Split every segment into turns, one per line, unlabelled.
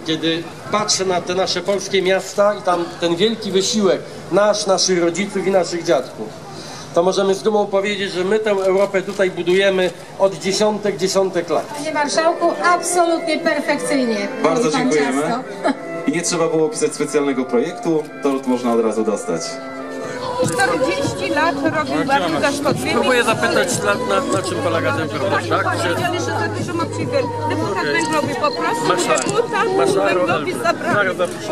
kiedy patrzę na te nasze polskie miasta i tam ten wielki wysiłek naszych rodziców i naszych dziadków, to możemy z dumą powiedzieć, że my tę Europę tutaj budujemy od dziesiątek lat.
Panie Marszałku, absolutnie perfekcyjnie.
Bardzo dziękujemy. I nie trzeba było pisać specjalnego projektu, tort można od razu dostać.
40 lat robił bardzo zaszkodliwy.
Próbuję zapytać, na czym polega ten problem, tak?
Powiedzieli, że za dużo ma przywier. Deputat węglowy po prostu, deputat węglowy zabrał.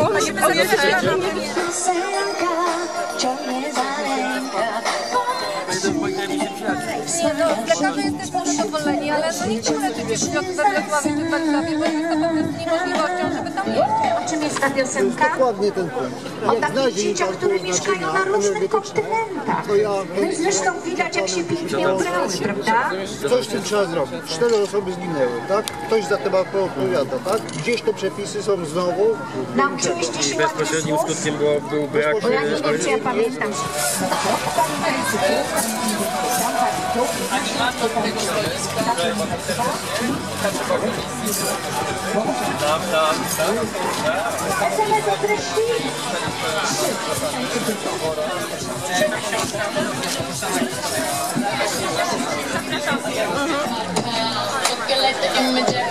Lekarze jesteśmy zadowoleni, ale no nie chcemy leczyć dzieci we Wrocławiu czy w Warszawie, bo jest to po prostu niemożliwością, żeby tam jeździć.
O czym jest ta piosenka?
Dokładnie ten punkt.
O takich dzieciach, które mieszkają na różnych kontynentach. No i zresztą widać, jak się pięknie ubrały, prawda?
Coś z tym trzeba zrobić. 4 osoby zginęły, tak? Ktoś za to odpowiada, tak? Gdzieś te przepisy są znowu.
Nauczyłyście się
Bezpośrednim skutkiem był brak...
Bo ja nie wiem, czy ja pamiętam.
Wiele